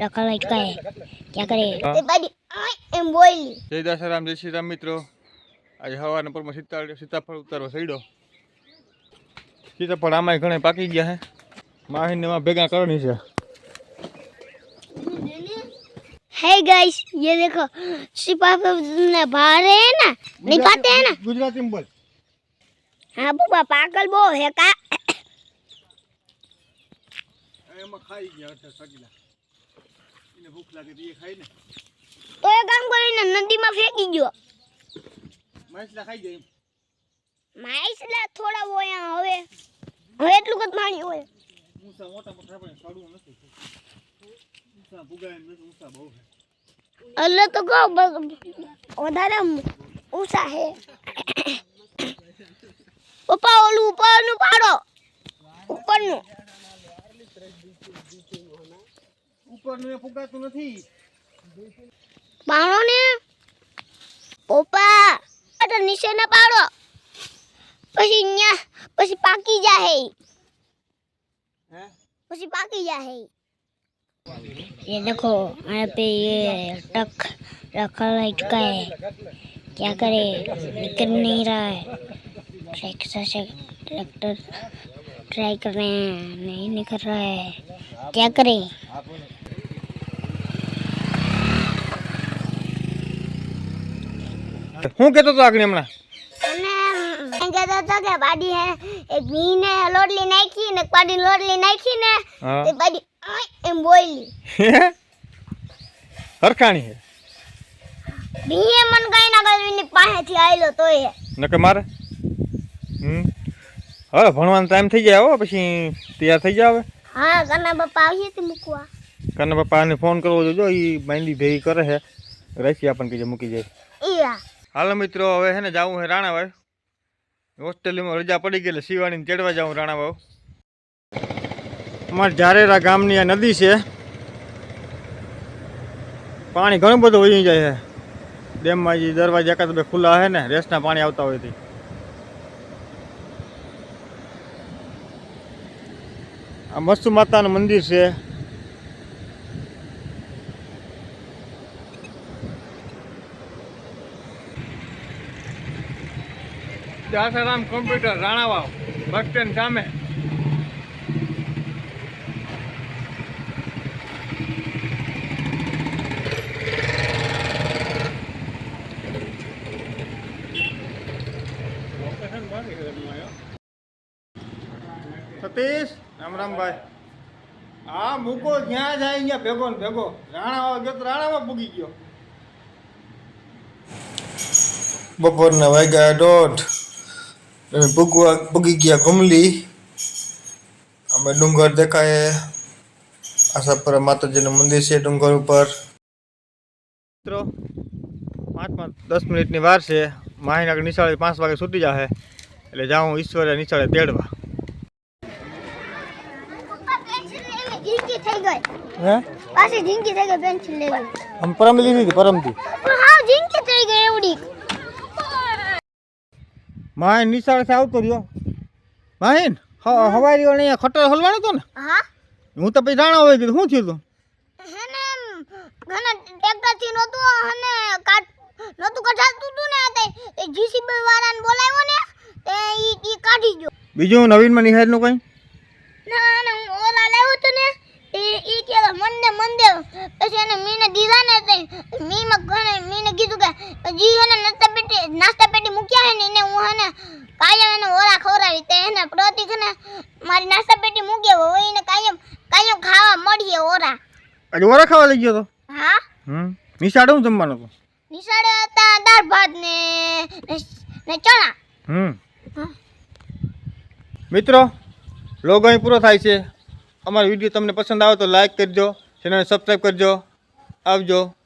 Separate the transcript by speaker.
Speaker 1: रखा लटका है, क्या करे? एम बोली
Speaker 2: जय दासाराम, जय श्री राम मित्रों। आज हवा पर सीताफળ ઉતારવા સઈડો। सीताफળ आमाय घणे पाकी गया है। माहीने में भेगा करनी है।
Speaker 1: है गाइस, ये देखो सीताफळ बाहर है ना, नहीं पाते हैं ना।
Speaker 2: गुजराती में बोल।
Speaker 1: हाँ बुआ, पागल बो है का?
Speaker 2: एमा खाई गया सगीला। इने भूख लागे तो ये खाई ने।
Speaker 1: तो ये काम કરીને नदी में फेंकी गयो।
Speaker 2: माइसला खाई જાય।
Speaker 1: माइसला थोड़ा वो यहाँ હવે એટલું કદ પાણી હોય।
Speaker 2: ઊંચા મોટા મોટા પણ સાડું નથી। ઊંચા ભૂગાય નથી, ઊંચા બહુ છે।
Speaker 1: અલ્લે તો કહો વધારે ઊંચા છે। પપ્પા ઓલું ઉપરનું પાડો, ઉપરનું।
Speaker 2: ઉપરનું એ ફૂગાતું નથી।
Speaker 1: પાડો ને પપ્પા, તો નીચે ના પાડો, પછી ન્યા પછી પાકી જાહે।
Speaker 2: हैं?
Speaker 1: પછી पाकी जाए। ये देखो यहाँ पे ये टक रखा लटका है, क्या करे? निकल नहीं रहा है। ट्रैक्टर ट्राई कर रहे हैं, नहीं निकल रहा है, क्या करे?
Speaker 2: હું કહેતો તો આગળ હમણાં
Speaker 1: कहता था कि बाडी है एक भी ने लोटली नाखी ने बाडी लोटली नाखी ने ते बाडी एम बोली
Speaker 2: હરખાણી છે।
Speaker 1: भी मन गई ना गई पाहे थी आइलो तो है
Speaker 2: નકે મારે હવે ભણવાનો ટાઈમ થઈ જાય હો, પછી તૈયાર થઈ જાવ।
Speaker 1: हां कना बापा આવી હતી મૂકવા।
Speaker 2: કના પપ્પાને ફોન કરવો જોજો, ઈ બાંધી ભેગી કરે છે, રાશી આપણને કીજે મૂકી જાય।
Speaker 1: ઈયા
Speaker 2: હાલો મિત્રો, હવે હે ને જાવું છે રાણાવાવ। હોસ્ટેલમાં રજા પડી ગઈ એટલે શિવાણીને ચડવા જાઉં રાણાવાવ। અમારા જારેરા ગામની આ નદી છે, પાણી ઘણું બધું વહી જાય છે। ડેમમાં જે દરવાજા એકાદ બે ખુલ્લા છે ને, રેસના પાણી આવતા હોય થી। આ મસ્ત માતાનું મંદિર છે। Dasaram computer Ranavav bus stand સામે। સતીશ રામ રામ ભાઈ। આ મૂકો જ્યાં જાય ત્યાં ભેગો ને ભેગો। રાણાવાવ ગયો તો રાણાવાવ પૂગી ગયો।
Speaker 3: બપોરના વાગ્યા 1:30 પૂગી ગયા ઘુમલી। અમે ડુંગર દેખાય, આશાપુરા માતાજીનું મંદિર છે ડુંગર ઉપર।
Speaker 2: મિત્રો 5-10 મિનિટની વાર છે। માહીનગર નિશાળે 5 વાગે છૂટી જાહે, એટલે જાઉં ઈશ્વરે નિશાળે તેડવા।
Speaker 1: जिंदगी થઈ ગઈ
Speaker 2: હે
Speaker 1: પાછી जिंदगी થઈ ગઈ પેન્સિલ લેવી।
Speaker 2: हम परम લીધી હતી પરમથી।
Speaker 1: હા जिंदगी થઈ ગઈ એવડી।
Speaker 2: માહીન નિશાળેથી આવતો રહ્યો। માહીન હવારીઓ ને ખટર હલવાનો હતો ને?
Speaker 1: હા
Speaker 2: હું તો પછી રાણા હોય ગયો। શું થયું તું?
Speaker 1: હેને ઘણા ટ્રેક્ટર થી નતું અને કાટ નતું કઢાતું તું ને તે જીસીબી વાળાને બોલાવ્યો ને તે ઈ કાઢી ગયો।
Speaker 2: બીજું નવીનમાં નિહાળનું કંઈ?
Speaker 1: ના ના હું ઓલા લાવ્યો તો ને ઈ કે મંદે પછી એને મીને દીધા ને તે મીમાં ઘણે મીને કીધું કે જી એને નાસ્તા પેટી મૂક્યા હે ને એને હું હે ને કાયમ એને ઓરા ખવરાવી તે એને પ્રતિક ને મારી નાસ્તા પેટી મૂકે હોય એને કાયમ ખાવા મળીએ ઓરા।
Speaker 2: આજે ઓરા ખાવા લઈ ગયો તો?
Speaker 1: હા
Speaker 2: નિશાળે શું જમવાનું હતું?
Speaker 1: નિશાળે હતા દાળ ભાત ને ચણા।
Speaker 2: મિત્રો લોગ અહીં પૂરો થાય છે। અમારો વિડીયો તમને પસંદ આવે તો લાઈક કરજો, ચેનલને સબસ્ક્રાઈબ કરજો। આવજો।